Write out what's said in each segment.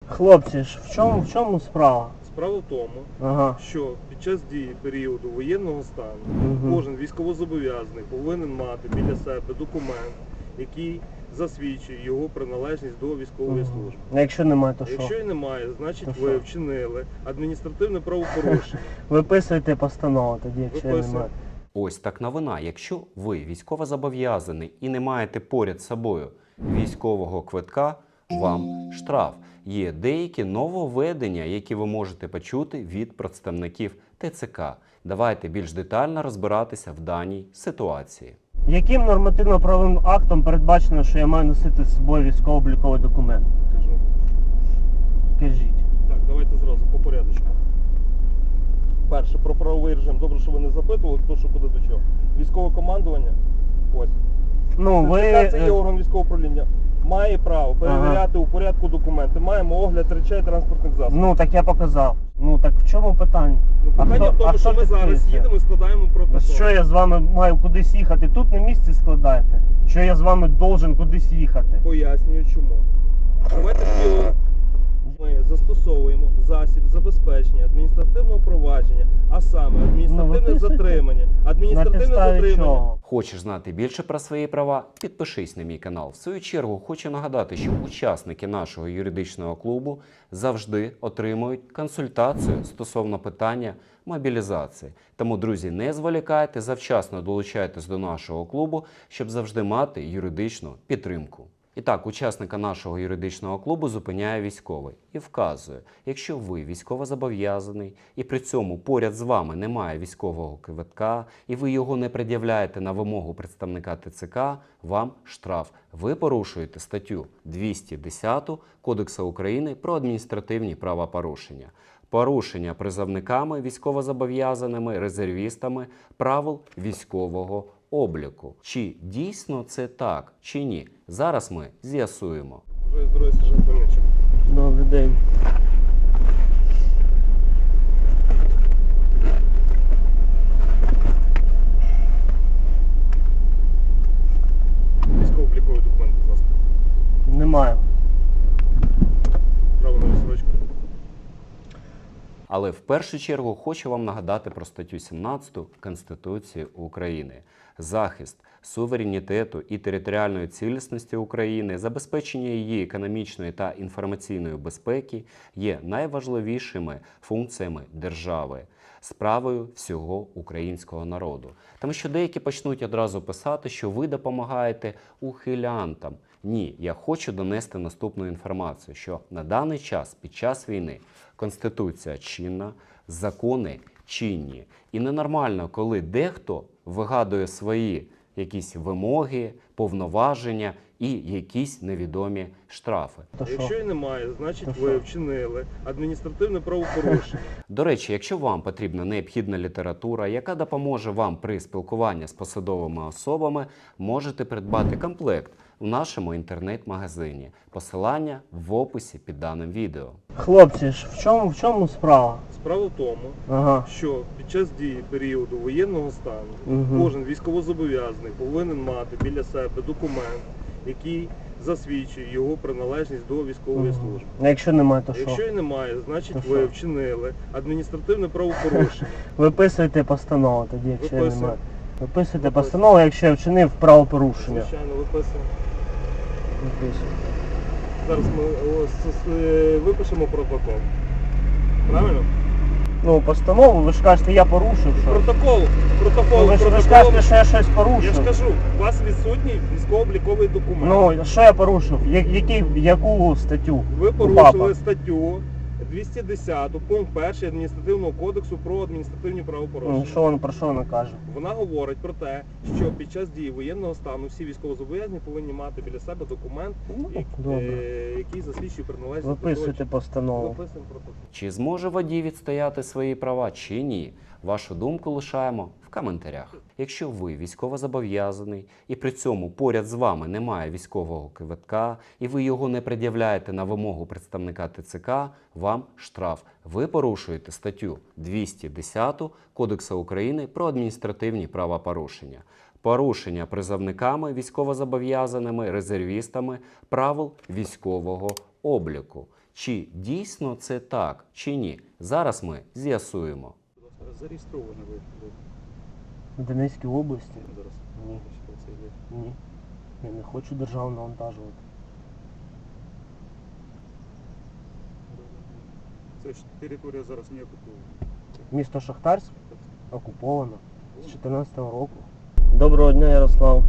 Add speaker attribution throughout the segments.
Speaker 1: Хлопці, ж в чому справа?
Speaker 2: Справа в тому, що під час дії періоду воєнного стану кожен військовозобов'язаний повинен мати біля себе документ, який засвідчує його приналежність до військової служби.
Speaker 1: А якщо немає, то що?
Speaker 2: Якщо і немає, значить ви вчинили адміністративне правопорушення.
Speaker 1: Виписуйте постанову тоді, якщо немає.
Speaker 3: Ось так новина. Якщо ви військовозобов'язаний і не маєте поряд з собою військового квитка, вам штраф. Є деякі нововведення, які ви можете почути від представників ТЦК. Давайте більш детально розбиратися в даній ситуації.
Speaker 1: Яким нормативно-правовим актом передбачено, що я маю носити з собою військово-обліковий документ?
Speaker 2: Кажу.
Speaker 1: Кажіть.
Speaker 2: Так, давайте зразу по порядочку. Перше, про правовий режим. Добре, що ви не запитували, хто що куди до чого. Військове командування, ось. Це є орган військового управління. Має право перевіряти у порядку документи. Маємо огляд речей транспортних засобів.
Speaker 1: Ну, так я показав. Ну, так в чому питання?
Speaker 2: Питання в тому, що ми зараз їдемо і складаємо протокол.
Speaker 1: Що я з вами маю кудись їхати? Тут на місці складаєте? Що я з вами должен кудись їхати?
Speaker 2: Пояснюю чому. Давайте ми застосовуємо засіб забезпечення адміністративного провадження, а саме адміністративне затримання. Адміністративне затримання.
Speaker 3: Хочеш знати більше про свої права? Підпишись на мій канал. В свою чергу хочу нагадати, що учасники нашого юридичного клубу завжди отримують консультацію стосовно питання мобілізації. Тому, друзі, не зволікайте, завчасно долучайтесь до нашого клубу, щоб завжди мати юридичну підтримку. І так, учасника нашого юридичного клубу зупиняє військовий і вказує, якщо ви військовозобов'язаний і при цьому поряд з вами немає військового квитка і ви його не пред'являєте на вимогу представника ТЦК, вам штраф. Ви порушуєте статтю 210 Кодексу України про адміністративні правопорушення. Порушення призовниками, військовозобов'язаними, резервістами правил військового обліку. Чи дійсно це так, чи ні? Зараз ми з'ясуємо.
Speaker 2: Бажаю здоров'я, сержант Мельничук.
Speaker 1: Добрий день.
Speaker 2: Військово-обліковий документ, будь ласка.
Speaker 1: Немає.
Speaker 2: Право на відсрочку.
Speaker 3: Але в першу чергу хочу вам нагадати про статтю 17 Конституції України. Захист суверенітету і територіальної цілісності України, забезпечення її економічної та інформаційної безпеки є найважливішими функціями держави, справою всього українського народу. Тому що деякі почнуть одразу писати, що ви допомагаєте ухилянтам. Ні, я хочу донести наступну інформацію, що на даний час, під час війни, Конституція чинна, закони чинні. І ненормально, коли дехто вигадує свої якісь вимоги, повноваження і якісь невідомі штрафи.
Speaker 2: Якщо і немає, значить ви вчинили адміністративне правопорушення.
Speaker 3: До речі, якщо вам потрібна необхідна література, яка допоможе вам при спілкуванні з посадовими особами, можете придбати комплект в нашому інтернет-магазині. Посилання в описі під даним відео.
Speaker 1: Хлопці, ж в чому справа?
Speaker 2: Справа в тому, що під час дії періоду воєнного стану кожен військовозобов'язаний повинен мати біля себе документ, який засвідчує його приналежність до військової служби.
Speaker 1: А якщо немає, то що?
Speaker 2: Якщо і немає, значить ви вчинили адміністративне правопорушення.
Speaker 1: Виписуйте постанову тоді, якщо немає. Виписуйте постанову, якщо я вчинив правопорушення.
Speaker 2: Звичайно, виписуємо.
Speaker 1: Виписуйте.
Speaker 2: Зараз ми випишемо протокол. Правильно?
Speaker 1: Ну, постанову, ви ж кажете, я порушив, що?
Speaker 2: Протокол.
Speaker 1: Ви ж кажете, що я щось порушив.
Speaker 2: Я ж кажу, у вас відсутній військово-обліковий документ.
Speaker 1: Ну, що я порушив? Яку статтю?
Speaker 2: Ви порушили статтю 210 пункт 1 адміністративного кодексу про адміністративні правопорушення.
Speaker 1: Про що вона каже?
Speaker 2: Вона говорить про те, що під час дії воєнного стану всі військовозобов'язані повинні мати біля себе документ, який засвідчує приналежність.
Speaker 1: Виписуйте постанову.
Speaker 2: Виписуємо протокол.
Speaker 3: Чи зможе водій відстояти свої права, чи ні? Вашу думку лишаємо в коментарях. Якщо ви військовозобов'язаний і при цьому поряд з вами немає військового квитка і ви його не пред'являєте на вимогу представника ТЦК, вам штраф. Ви порушуєте статтю 210 Кодексу України про адміністративні правопорушення. Порушення призовниками, військовозобов'язаними, резервістами правил військового обліку. Чи дійсно це так, чи ні? Зараз ми з'ясуємо.
Speaker 4: Зареєстровані ви
Speaker 1: В Донецькій області?
Speaker 4: зараз.
Speaker 1: Ні.
Speaker 4: Що це є?
Speaker 1: Ні. Я не хочу державу навантажувати.
Speaker 4: Це ж територія зараз не окупована.
Speaker 1: Місто Шахтарськ окуповано з 14-го року. Доброго дня, Ярослав.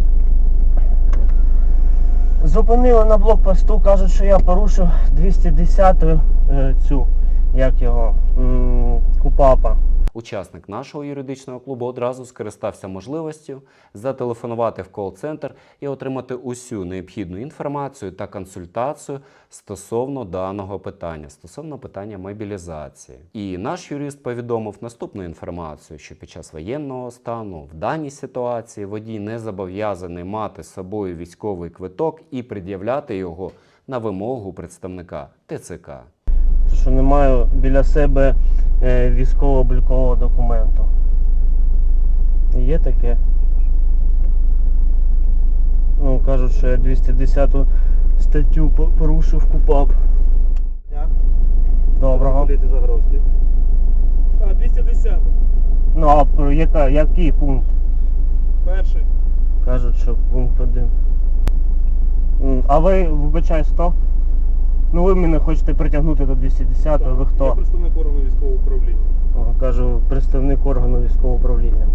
Speaker 1: Зупинили на блокпосту, кажуть, що я порушив 210-ю цю, як його, КУПАПа.
Speaker 3: Учасник нашого юридичного клубу одразу скористався можливістю зателефонувати в кол-центр і отримати усю необхідну інформацію та консультацію стосовно даного питання, стосовно питання мобілізації. І наш юрист повідомив наступну інформацію, що під час воєнного стану в даній ситуації водій не зобов'язаний мати з собою військовий квиток і пред'являти його на вимогу представника ТЦК.
Speaker 1: Що не маю біля себе військово-облікового документу. Є таке. Ну, кажуть, що я 210 статтю порушив КУПАП.
Speaker 2: Дня.
Speaker 1: Доброго.
Speaker 4: Політи Загоровський.
Speaker 2: А, 210.
Speaker 1: Ну, а який пункт?
Speaker 2: Перший.
Speaker 1: Кажуть, що пункт 1. А ви, вибачаю, 100? Ну ви мене хочете притягнути до 210-го, ви
Speaker 2: Я
Speaker 1: хто?
Speaker 2: представник органу військового управління.
Speaker 1: Кажу, представник органу військового управління.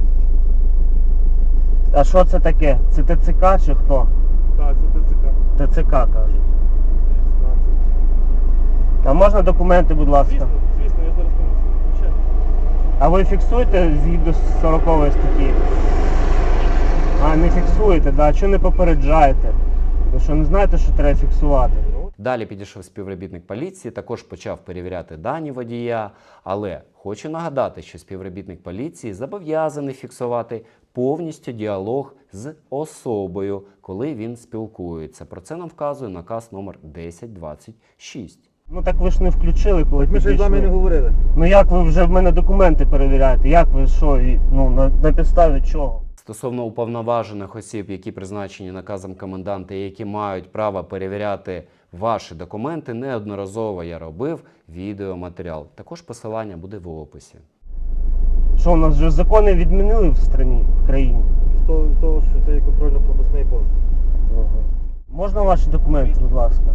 Speaker 1: А що це таке? Це ТЦК чи хто?
Speaker 2: Так, це ТЦК.
Speaker 1: ТЦК, кажуть.
Speaker 2: 16.
Speaker 1: А можна документи, будь ласка?
Speaker 2: Звісно, звісно, я зараз принесу. Звичайно.
Speaker 1: А ви фіксуєте згідно з 40 статті? А, не фіксуєте, да? Чого не попереджаєте? Ви що, не знаєте, що треба фіксувати?
Speaker 3: Далі підійшов співробітник поліції, також почав перевіряти дані водія, але хочу нагадати, що співробітник поліції зобов'язаний фіксувати повністю діалог з особою, коли він спілкується. Про це нам вказує наказ номер 1026.
Speaker 1: Ну так ви ж не включили, коли
Speaker 4: Ми ж з вами не
Speaker 1: підійшли.
Speaker 4: говорили.
Speaker 1: Ну як ви вже в мене документи перевіряєте? Як ви що? Ну на підставі чого?
Speaker 3: Стосовно уповноважених осіб, які призначені наказом коменданта і які мають право перевіряти ваші документи, неодноразово я робив відеоматеріал. Також посилання буде в описі.
Speaker 1: Що, у нас вже закони відмінили в країні?
Speaker 4: З того, що це є контрольно-пропускний пункт.
Speaker 1: Можна ваші документи, будь ласка?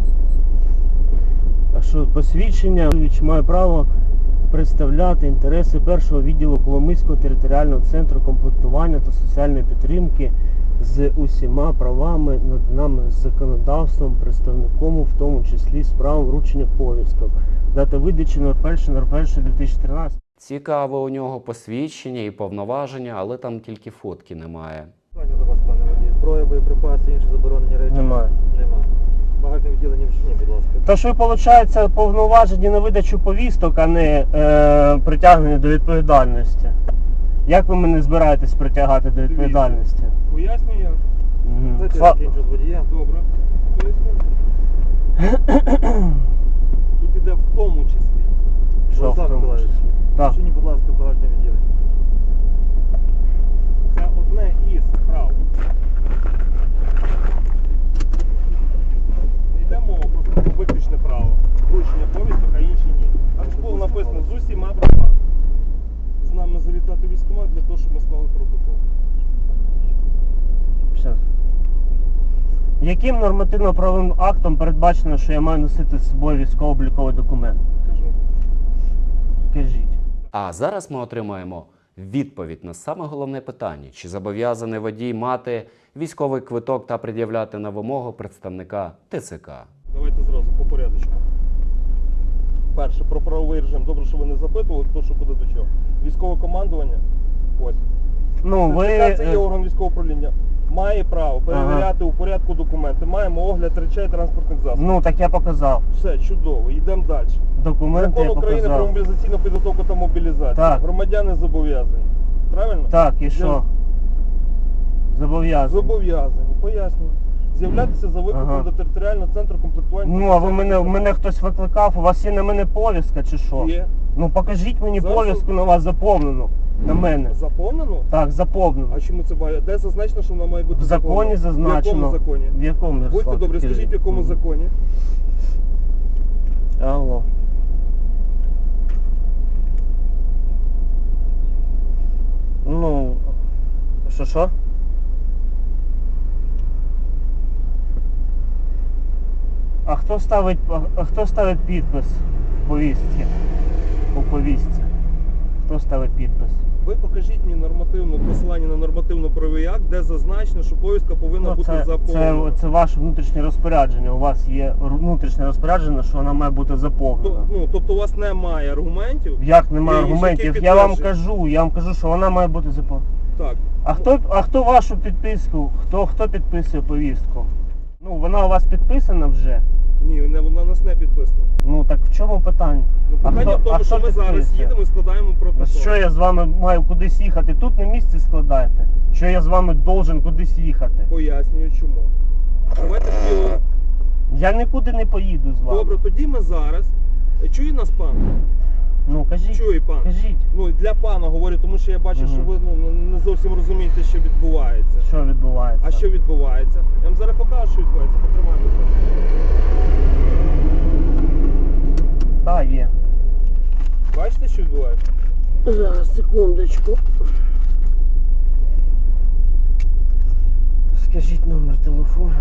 Speaker 1: А що, посвідчення, має право представляти інтереси першого відділу Коломийського територіального центру комплектування та соціальної підтримки з усіма правами, наданими законодавством, представником, в тому числі з правом вручення повісток. Дата видачі 01.01.2013.
Speaker 3: Цікаво у нього посвідчення і повноваження, але там тільки фотки немає.
Speaker 4: Питання до вас, пане водій. Зброя, боєприпаси, інші заборонені речі?
Speaker 1: Немає.
Speaker 4: Немає. Багажне відділення вчині, будь ласка.
Speaker 1: Тож ви, виходить, повноважені на видачу повісток, а не притягнені до відповідальності. Як ви мене збираєтесь притягати до відповідальності?
Speaker 2: Пояснюю я.
Speaker 1: Мгм.
Speaker 4: Знаєте, я закінчу з водієм.
Speaker 2: Добре. Поясню. Тут іде в тому числі.
Speaker 1: Що в
Speaker 4: Олександр
Speaker 1: тому
Speaker 4: Миколаївич,
Speaker 1: числі? Так.
Speaker 4: вчині, будь ласка, багажне відділення.
Speaker 2: Це одне із прав. Не йде мова просто про виключне право. Вручення повісток, а інші ні. Там ж було написано з усіма правами. З нами завітати військкомат для того, щоб ми склали протокол.
Speaker 1: Щас. Яким нормативно-правовим актом передбачено, що я маю носити з собою військово-обліковий документ?
Speaker 2: Кажу.
Speaker 1: Кажіть.
Speaker 3: А зараз ми отримаємо відповідь на саме головне питання. Чи зобов'язаний водій мати військовий квиток та пред'являти на вимогу представника ТЦК?
Speaker 2: Давайте зразу по порядочку. Перше, про правовий режим. Добре, що ви не запитували, хто що куди до чого. Військове командування. Ось.
Speaker 1: Ну, ви...
Speaker 2: Це є орган військового управління. Має право перевіряти у порядку документи. Маємо огляд речей транспортних засобів.
Speaker 1: Ну, так я показав.
Speaker 2: Все, чудово, йдемо далі.
Speaker 1: Документи
Speaker 2: Закон
Speaker 1: я
Speaker 2: України про
Speaker 1: показав.
Speaker 2: мобілізаційну підготовку та мобілізацію.
Speaker 1: Так.
Speaker 2: Громадяни зобов'язані. Правильно?
Speaker 1: Так, і що? Зобов'язаний.
Speaker 2: Зобов'язані. Пояснюю. З'являтися за викликом
Speaker 1: Ага.
Speaker 2: до територіального центру комплектування.
Speaker 1: Ну, а ви мене хтось викликав? У вас є на мене повістка чи що?
Speaker 2: Є.
Speaker 1: Ну, покажіть мені
Speaker 2: Зараз-
Speaker 1: повістку на вас заповнену. На мене.
Speaker 2: Заповнено?
Speaker 1: Так, заповнено.
Speaker 2: А чому це має? Де зазначено, що вона має бути
Speaker 1: В законі
Speaker 2: заповнена?
Speaker 1: зазначено.
Speaker 2: В якому законі?
Speaker 1: В якому, Ярослав?
Speaker 2: Будьте добрі,
Speaker 1: Скажіть.
Speaker 2: скажіть, в якому
Speaker 1: Мгм.
Speaker 2: законі?
Speaker 1: Що? А хто ставить підпис в повістці? У повістці? Хто ставить підпис?
Speaker 2: Ви покажіть мені посилання на нормативно-правовий акт, де зазначено, що повістка повинна бути заповнена.
Speaker 1: Це ваше внутрішнє розпорядження. У вас є внутрішнє розпорядження, що вона має бути заповнена.
Speaker 2: Тобто у вас немає аргументів?
Speaker 1: Як немає
Speaker 2: які
Speaker 1: аргументів? Я вам кажу, що вона має бути заповнена.
Speaker 2: Так.
Speaker 1: А хто вашу підписку? Хто підписує повістку? Ну, вона у вас підписана вже?
Speaker 2: Ні, вона у нас не підписана.
Speaker 1: Ну так в чому питання?
Speaker 2: Питання в тому, що ми зараз їдемо і складаємо протокол.
Speaker 1: Що я з вами маю кудись їхати? Тут на місці складайте. Що я з вами должен кудись їхати?
Speaker 2: Пояснюю чому. Давайте тоді...
Speaker 1: Я нікуди не поїду з вами.
Speaker 2: Добре, тоді ми зараз... Чує нас пан?
Speaker 1: Ну кажіть.
Speaker 2: Чує пан.
Speaker 1: Кажіть.
Speaker 2: Ну для пана говорю, тому що я бачу, що ви не зовсім розумієте, що відбувається.
Speaker 1: Що відбувається? А
Speaker 2: що відбувається? Я вам зараз покажу, що відбувається. Потримаємо.
Speaker 1: Так, є.
Speaker 2: Бачите, що відбувається?
Speaker 1: Зараз, секундочку. Скажіть номер телефону.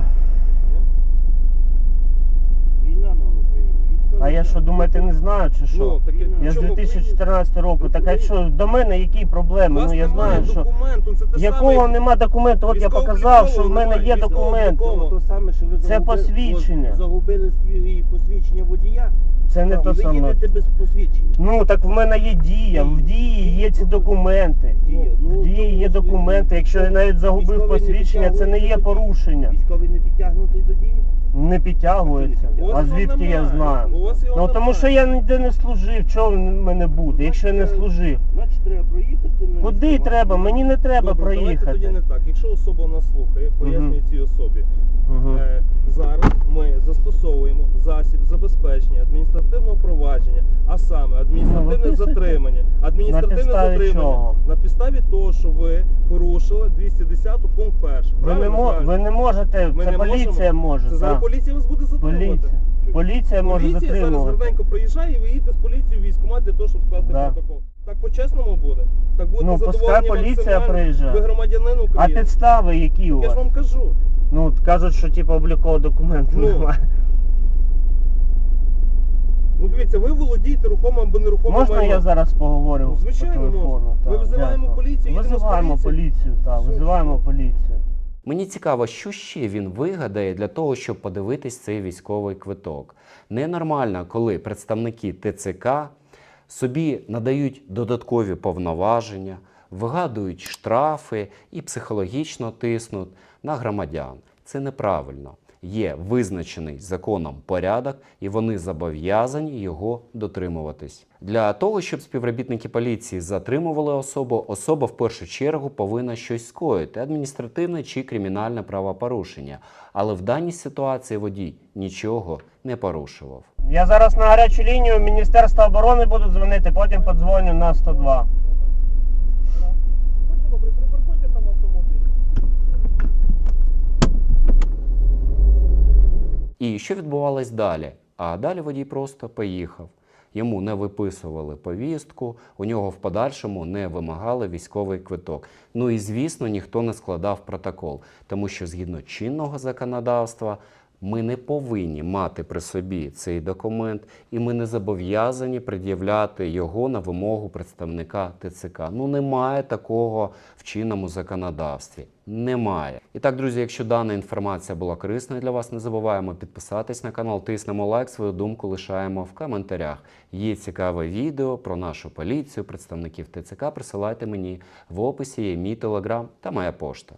Speaker 4: Війна на Україні.
Speaker 1: А я що, думаєте, не знаю чи що?
Speaker 2: Ну, так
Speaker 1: Я з 2014 року. Так а що, до мене які проблеми? Ну я знаю, що...
Speaker 2: Документу, це те
Speaker 1: Якого
Speaker 2: саме...
Speaker 1: нема документу? От я показав, що в мене є документ.
Speaker 4: То саме, що ви
Speaker 1: Це посвідчення.
Speaker 4: загубили свої посвідчення водія.
Speaker 1: Це не то
Speaker 4: ви
Speaker 1: саме.
Speaker 4: їдете без посвідчення.
Speaker 1: Ну так в мене є дія, в дії є ці документи. В дії є документи. Якщо я навіть загубив посвідчення, це не є порушення.
Speaker 4: Військовий не підтягнутий до дії?
Speaker 1: Не підтягується. А звідки я знаю? Ну тому що я ніде не служив, чого в мене буде, якщо я не служив?
Speaker 4: Значить треба проїхати.
Speaker 1: Куди треба? Мені не треба
Speaker 2: Добре, давайте тоді
Speaker 1: проїхати.
Speaker 2: не так. Якщо особа нас слухає, пояснюю цій особі.
Speaker 1: Мгм.
Speaker 2: Зараз ми застосовуємо засіб забезпечення адміністративного провадження, а саме адміністративне
Speaker 1: виписуйте.
Speaker 2: затримання. Адміністративне
Speaker 1: На підставі
Speaker 2: затримання
Speaker 1: чого?
Speaker 2: на підставі того, що ви порушили 210 пункт 1.
Speaker 1: Ви не можете,
Speaker 2: Ми
Speaker 1: це
Speaker 2: не
Speaker 1: поліція
Speaker 2: можемо.
Speaker 1: може.
Speaker 2: Це зараз
Speaker 1: так.
Speaker 2: поліція вас буде затримувати.
Speaker 1: Поліція може
Speaker 2: Поліція зараз
Speaker 1: затримувати.
Speaker 2: гарненько приїжджає і ви їдете з поліцією в військкомат для того, щоб скласти
Speaker 1: Да.
Speaker 2: протокол. Так по-чесному буде. Так будете
Speaker 1: Ну, пускай
Speaker 2: задоволені
Speaker 1: поліція
Speaker 2: максимально.
Speaker 1: приїжджає.
Speaker 2: Ви громадянин
Speaker 1: А
Speaker 2: України.
Speaker 1: підстави які у
Speaker 2: Я ж
Speaker 1: вас?
Speaker 2: вам кажу.
Speaker 1: Ну, от кажуть, що типу облікового документу
Speaker 2: Ну.
Speaker 1: немає.
Speaker 2: Ну дивіться, ви володієте рухомим або нерухомим
Speaker 1: Можна
Speaker 2: майном.
Speaker 1: я зараз поговорю
Speaker 2: Ну, звичайно,
Speaker 1: по телефону?
Speaker 2: можна.
Speaker 1: Так,
Speaker 2: Ми визиваємо
Speaker 1: дякую.
Speaker 2: поліцію, їдемо з
Speaker 1: Визиваємо
Speaker 2: поліцією.
Speaker 1: поліцію, так,
Speaker 2: Все,
Speaker 1: визиваємо
Speaker 2: все.
Speaker 1: поліцію.
Speaker 3: Мені цікаво, що ще він вигадає для того, щоб подивитись цей військовий квиток. Ненормально, коли представники ТЦК собі надають додаткові повноваження, вигадують штрафи і психологічно тиснуть на громадян. Це неправильно. Є визначений законом порядок, і вони зобов'язані його дотримуватись. Для того, щоб співробітники поліції затримували особу, особа в першу чергу повинна щось скоїти – адміністративне чи кримінальне правопорушення. Але в даній ситуації водій нічого не порушував.
Speaker 1: Я зараз на гарячу лінію Міністерства оборони буду дзвонити, потім подзвоню на 102.
Speaker 2: Будьте добрі, припаркуйте там автомобіль.
Speaker 3: І що відбувалось далі? А далі водій просто поїхав. Йому не виписували повістку, у нього в подальшому не вимагали військовий квиток. Ну і, звісно, ніхто не складав протокол, тому що згідно чинного законодавства ми не повинні мати при собі цей документ, і ми не зобов'язані пред'являти його на вимогу представника ТЦК. Ну, немає такого в чинному законодавстві. Немає. І так, друзі, якщо дана інформація була корисною для вас, не забуваємо підписатись на канал, тиснемо лайк, свою думку лишаємо в коментарях. Є цікаве відео про нашу поліцію, представників ТЦК, присилайте мені в описі, є мій телеграм та моя пошта.